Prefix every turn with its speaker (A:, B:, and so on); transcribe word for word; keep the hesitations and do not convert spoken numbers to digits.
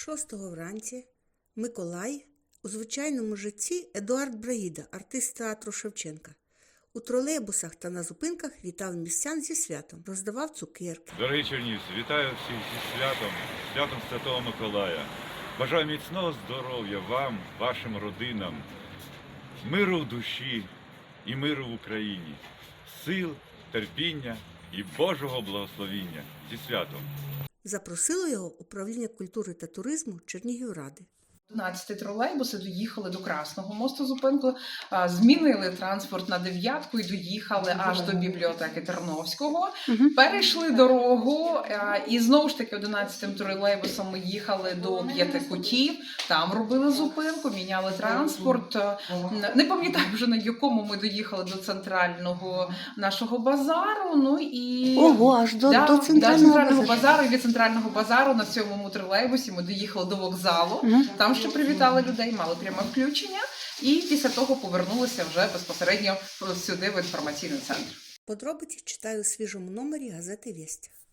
A: Шостого вранці Миколай, у звичайному житті Едуард Браїда, артист театру Шевченка. У тролейбусах та на зупинках вітав містян зі святом, роздавав цукерки.
B: Дорогі чернівці, вітаю всіх зі святом, святом Святого Миколая. Бажаю міцного здоров'я вам, вашим родинам, миру в душі і миру в Україні, сил, терпіння і Божого благословіння. Зі святом!
A: Запросило його управління культури та туризму Чернігівради.
C: одинадцяти тролейбуси доїхали до Красного мосту зупинку, змінили транспорт на дев'ятку і доїхали аж до бібліотеки Терновського. Угу. Перейшли дорогу і знову ж таки одинадцятим тролейбусом ми їхали до П'ятикутів. Там робили зупинку, міняли транспорт. Не пам'ятаю вже, на якому ми доїхали до центрального нашого базару. Ну і
A: Ого, аж до,
C: да,
A: до центрального,
C: да, центрального
A: базару.
C: базару. І від центрального базару на сьомому тролейбусі ми доїхали до вокзалу. Угу. Там ще привітали людей, мали пряме включення, і після того повернулися вже безпосередньо сюди, в інформаційний центр.
A: Подробиці читаю у свіжому номері газети «Вєсть».